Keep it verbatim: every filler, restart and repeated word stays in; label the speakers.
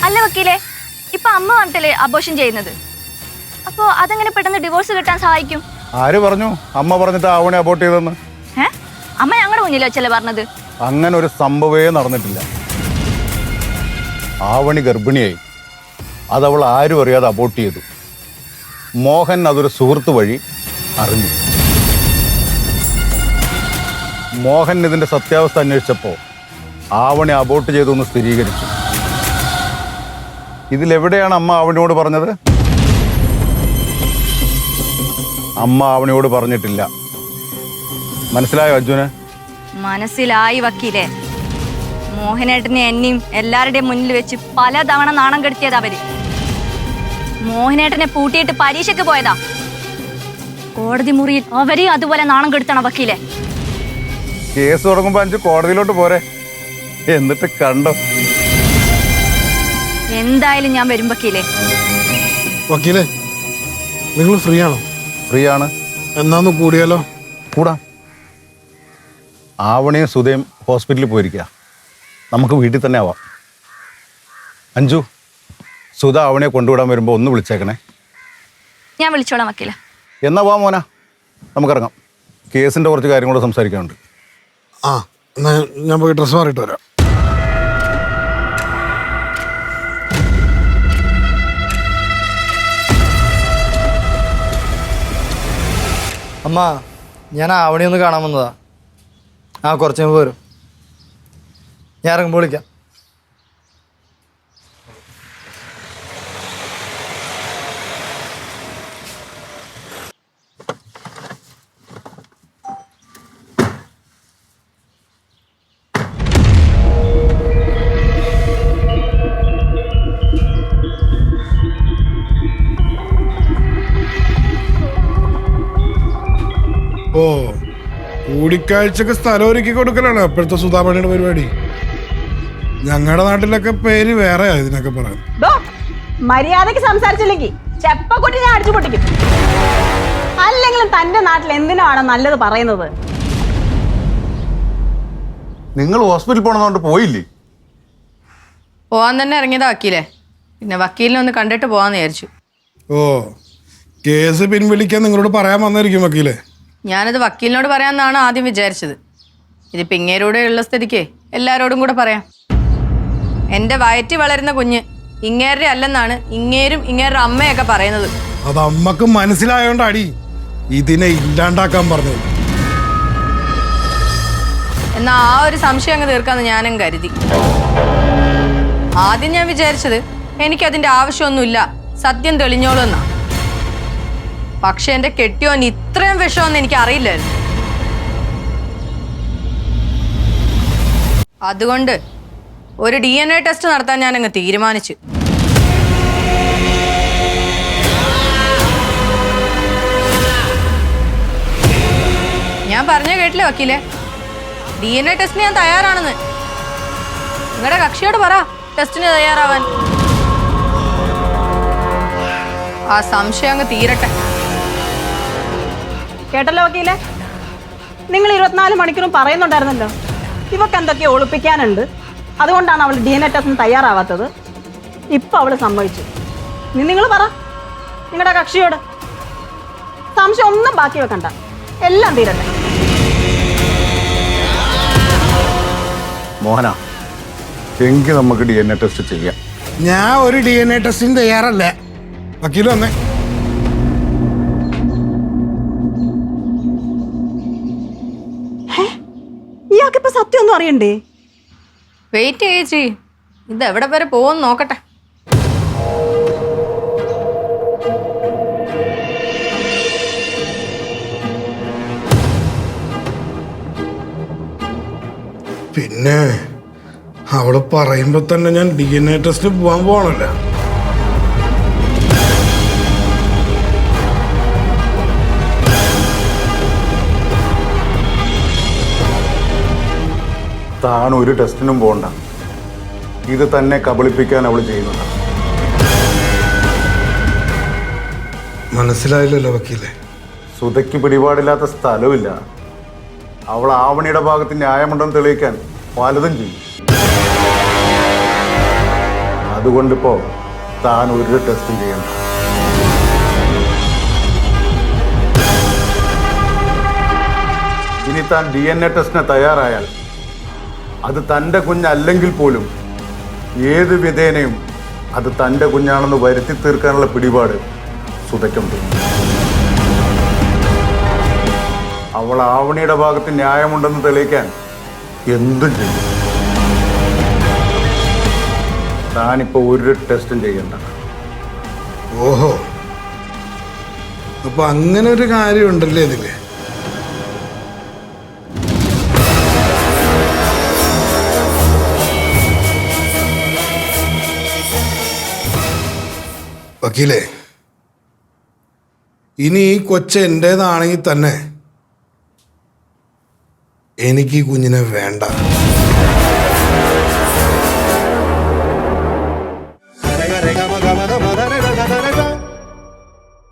Speaker 1: അല്ല വക്കീലെ, ഇപ്പൊ അമ്മ പറഞ്ഞിട്ടല്ലേ അബോർഷൻ ചെയ്യുന്നത്. അപ്പോ അതെങ്ങനെ പെട്ടെന്ന് ഡിവോഴ്സ് കിട്ടാൻ സഹായിക്കും?
Speaker 2: ആര് പറഞ്ഞു അമ്മ പറഞ്ഞിട്ട് ആവണി അബോർട്ട് ചെയ്തെന്ന്?
Speaker 1: ഏ അമ്മ ഞങ്ങളുടെ മുന്നിൽ വെച്ചല്ലേ പറഞ്ഞത്?
Speaker 2: അങ്ങനെ ഒരു സംഭവമേ നടന്നിട്ടില്ല. ആവണി ഗർഭിണിയായി, അതവൾ ആരും അറിയാതെ അബോർട്ട് ചെയ്തു. മോഹൻ അതൊരു സുഹൃത്ത് വഴി അറിഞ്ഞു. മോഹൻ ഇതിന്റെ സത്യാവസ്ഥ അന്വേഷിച്ചപ്പോൾ ആവണി അബോർട്ട് ചെയ്തു എന്ന് സ്ഥിരീകരിച്ചു. ഇതിലെവിടെയാണ് അമ്മ ആവണിയോട് പറഞ്ഞത്? അമ്മ ആവണിയോട് പറഞ്ഞിട്ടില്ല. മനസ്സിലായോ അർജുന്?
Speaker 1: മനസ്സിലായി വക്കീലെ. മോഹനേട്ടനെ എന്നെയും എല്ലാവരുടെയും മുന്നിൽ വെച്ച് പലതവണ നാണം കെടുത്തിയത് അവര്. മോഹനേട്ടനെ പൂട്ടിയിട്ട് പരീക്ഷയ്ക്ക് പോയതാ. കോടതി മുറിയിൽ അവരെയും അതുപോലെ നാണം കെടുത്തണം വക്കീലെ.
Speaker 2: കേസ് തുടങ്ങുമ്പോ അഞ്ച് കോടതിയിലോട്ട് പോരെ, എന്നിട്ട് കണ്ടോ.
Speaker 1: എന്തായാലും ഞാൻ വരും വക്കീലെ.
Speaker 3: വക്കീലെ, നിങ്ങൾ ഫ്രീ ആണോ?
Speaker 2: ഫ്രീ ആണ്.
Speaker 3: എന്നാന്ന് കൂടിയാലോ?
Speaker 2: കൂടാ. ആവണിയും സുധയും ഹോസ്പിറ്റലിൽ പോയിരിക്കുക. നമുക്ക് വീട്ടിൽ തന്നെ ആവാം. അഞ്ജു, സുധ ആവണിയെ കൊണ്ടുവിടാൻ വരുമ്പോൾ ഒന്ന് വിളിച്ചേക്കണേ.
Speaker 1: ഞാൻ വിളിച്ചോളാം വക്കീലെ.
Speaker 2: എന്നാ വാ മോന, നമുക്കിറങ്ങാം. കേസിൻ്റെ കുറച്ച് കാര്യങ്ങൾ സംസാരിക്കാനുണ്ട്.
Speaker 3: ആ, എന്നാ ഞാൻ പോയി ഡ്രസ്സ് മാറിയിട്ട് വരാം.
Speaker 4: അമ്മ, ഞാൻ ആവണി ഒന്ന് കാണാൻ വന്നതാ. ആ, കുറച്ച് മുമ്പ് വരും. ഞാൻ ഇറങ്ങുമ്പോൾ വിളിക്കാം.
Speaker 3: ഓ, കൂടിക്കാഴ്ചക്ക് സ്ഥലം ഒരുക്കി കൊടുക്കലാണ് അപ്പോഴത്തെ സുധാമണിയുടെ പരിപാടി. ഞങ്ങളുടെ നാട്ടിലൊക്കെ പേര് വേറെ ഇതിനൊക്കെ പറയാം.
Speaker 5: മര്യാദക്ക് സംസാരിച്ചില്ലെങ്കിൽ ചെപ്പക്കൊട്ടി ഞാൻ അടിച്ചു പൊട്ടിക്കും. അല്ലെങ്കിലും തന്റെ നാട്ടിൽ എന്തിനാണ് നല്ലത് പറയുന്നത്?
Speaker 2: നിങ്ങൾ ഹോസ്പിറ്റലിൽ പോകണമെന്നുകൊണ്ട് പോയില്ലേ?
Speaker 6: പോവാൻ തന്നെ ഇറങ്ങിയതാ വക്കീലെ. പിന്നെ വക്കീലിനെ ഒന്ന് കണ്ടിട്ട് പോവാന്ന് വിചാരിച്ചു.
Speaker 3: ഓ, കേസ് പിൻവലിക്കാൻ നിങ്ങളോട് പറയാൻ വന്നായിരിക്കും വക്കീലെ.
Speaker 6: ഞാനത് വക്കീലിനോട് പറയാമെന്നാണ് ആദ്യം വിചാരിച്ചത്. ഇതിപ്പോൾ ഇങ്ങേരൂടെ ഉള്ള സ്ഥിതിക്ക് എല്ലാവരോടും കൂടെ പറയാം. എൻ്റെ വയറ്റി വളരുന്ന കുഞ്ഞ് ഇങ്ങേരുടെ അല്ലെന്നാണ് ഇങ്ങേരും ഇങ്ങേരുടെ അമ്മയൊക്കെ പറയുന്നത്.
Speaker 3: അത് അമ്മക്ക് മനസ്സിലായോണ്ടാടി ഇതിനെ ഇല്ലാണ്ടാക്കാൻ പറഞ്ഞത്.
Speaker 6: എന്നാൽ ആ ഒരു സംശയം അങ്ങ് തീർക്കാമെന്ന് ഞാനും കരുതി. ആദ്യം ഞാൻ വിചാരിച്ചത് എനിക്കതിൻ്റെ ആവശ്യമൊന്നുമില്ല, സത്യം തെളിഞ്ഞോളൂ എന്നാ. പക്ഷെ എൻ്റെ കെട്ടിയോൻ ഇത്രയും വിഷമൊന്നും എനിക്ക് അറിയില്ലായിരുന്നു. അതുകൊണ്ട് ഒരു ഡി എൻ എ ടെസ്റ്റ് നടത്താൻ ഞാൻ അങ്ങ് തീരുമാനിച്ചു. ഞാൻ പറഞ്ഞ കേട്ടില്ലേ വക്കീലെ, ഡി എൻ എ ടെസ്റ്റിന് ഞാൻ തയ്യാറാണെന്ന്. നിങ്ങളുടെ കക്ഷിയോട് പറ ടെസ്റ്റിന് തയ്യാറാവാൻ. ആ സംശയം അങ്ങ് തീരട്ടെ.
Speaker 5: കേട്ടല്ലോ വക്കീലെ, നിങ്ങൾ ഇരുപത്തിനാല് മണിക്കൂറും പറയുന്നുണ്ടായിരുന്നല്ലോ ഇവക്ക് എന്തൊക്കെയോ ഒളിപ്പിക്കാനുണ്ട്, അതുകൊണ്ടാണ് അവൾ ഡി എൻ എ ടെസ്റ്റിന് തയ്യാറാവാത്തത്. ഇപ്പൊ അവള് സമ്മതിച്ചു. ഇനി നിങ്ങൾ പറ നിങ്ങളുടെ കക്ഷിയോട്. സംശയം ഒന്നും ബാക്കി വെക്കണ്ട, എല്ലാം തീരട്ടെ.
Speaker 2: മോഹന, എങ്കിൽ നമുക്ക് ഡി എൻ എ ടെസ്റ്റ് ചെയ്യാം.
Speaker 3: ഞാൻ ഒരു ഡി എൻ എ ടെസ്റ്റിന് തയ്യാറല്ല. വക്കീൽ വന്നേ.
Speaker 5: ഇയാൾക്കിപ്പോ സത്യം ഒന്നും അറിയണ്ടേ?
Speaker 6: വെയിറ്റ് ചേച്ചി, ഇത് എവിടെ വരെ പോകുമെന്ന് നോക്കട്ടെ.
Speaker 3: പിന്നെ അവള് പറയുമ്പോ തന്നെ ഞാൻ ഡി എൻ എ ടെസ്റ്റിന് പോവാൻ പോകണല്ലോ.
Speaker 2: താൻ ഒരു ടെസ്റ്റിനും പോകണ്ട. ഇത് തന്നെ കബളിപ്പിക്കാൻ അവൾ ചെയ്യുന്നത്.
Speaker 3: മനസ്സിലായില്ലല്ലോ വക്കീലെ.
Speaker 2: സുധയ്ക്ക് പിടിപാടില്ലാത്ത സ്ഥലമില്ല. അവൾ ആവണിയുടെ ഭാഗത്ത് ന്യായമുണ്ടെന്ന് തെളിയിക്കാൻ പലതും ചെയ്യും. അതുകൊണ്ടിപ്പോൾ താൻ ഒരു ടെസ്റ്റും ചെയ്യണ്ട. ഇനി താൻ ഡി എൻ എ ടെസ്റ്റിന് തയ്യാറായാൽ അത് തൻ്റെ കുഞ്ഞല്ലെങ്കിൽ പോലും ഏത് വിധേനയും അത് തൻ്റെ കുഞ്ഞാണെന്ന് വരുത്തി തീർക്കാനുള്ള പിടിപാട് സുധയ്ക്കുണ്ട്. അവൾ ആവണിയുടെ ഭാഗത്ത് ന്യായമുണ്ടെന്ന് തെളിയിക്കാൻ എന്തും ചെയ്യും. താനിപ്പോ ഒരു ടെസ്റ്റും ചെയ്യണ്ട.
Speaker 3: ഓഹോ, അപ്പൊ അങ്ങനെ ഒരു കാര്യം ഉണ്ടല്ലേ ഇതില്. വക്കീലേ, ഇനി ഈ കൊച്ച് എൻ്റേതാണെങ്കിൽ തന്നെ എനിക്ക് ഈ കുഞ്ഞിനെ വേണ്ട.
Speaker 7: Rega, rega, maga.